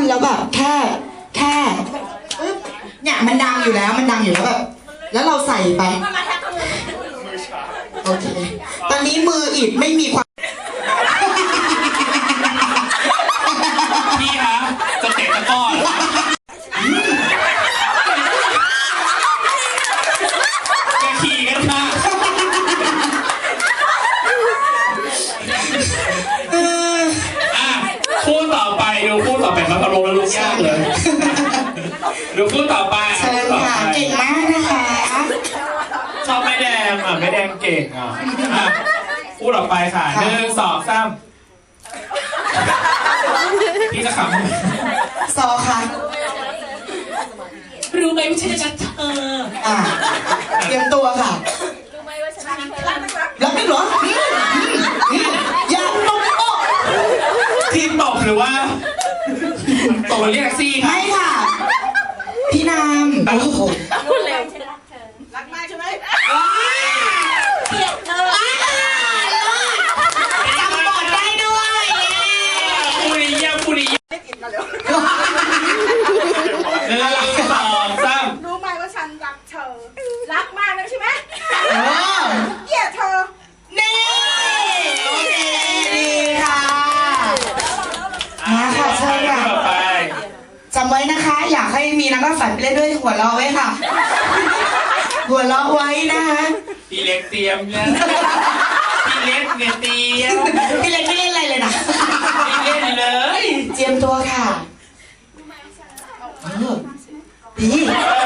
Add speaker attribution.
Speaker 1: แล้วแบบแค่ปึ๊บเนี่ยมันดังอยู่แล้วแบบแล้วเราใส่ไปโอเคตอนนี้มืออิดไม่มีความ
Speaker 2: พี่คะจะเตะตะก้อนจะขี่กันค่ะคู่ต่อไปดูคู่ต่อไปครับอารมณ์แล้วลุกยากเลยดูคู่ต่อไป
Speaker 1: เชิญค่ะเก่งมากนะคะ
Speaker 2: ชอบไม่แดงไม่แดงเก่งคู่ต่อไปค่ะ1 2 3พี่จะข
Speaker 1: ำซอค่ะ
Speaker 2: รู้ไหมว่าฉันจะเธอ
Speaker 1: เตรียมตัวค่ะ
Speaker 3: รู้ไหมว่าฉันรัก
Speaker 1: รักไม่หรออย่าตบโต๊ะ
Speaker 2: ทีมตบหรือว่าตบเรียกแท็กซี่ค่ะ
Speaker 1: ไม่ค่ะพี่นามโอ้โห
Speaker 3: รู้เร็วฉันรักเธอรักมากใช่ไหมเกลียดเธอ
Speaker 1: จำบทได้ด้วย
Speaker 2: ปุริยะ1 2 3
Speaker 3: รู้ไหมว่าฉันรักเธอรักมากเลยใช่ไหมเกลียดเธอ
Speaker 1: นี่โอเคดีค่ะมาค่ะเชิญค่ะจำไว้นะคะอยากให้มีนักฝันไปเล่นด้วยหัวเราะไว้ค่ะหัวเราะไว้นะคะ
Speaker 2: พี่เล็กเตรียมเนี่ยพี่เล็กเนี่ยเตรียม
Speaker 1: พี่เล็กไม่เล่นอะไรเลยนะ
Speaker 2: พี่เล่นเลย
Speaker 1: เตรียมตัวค่ะดี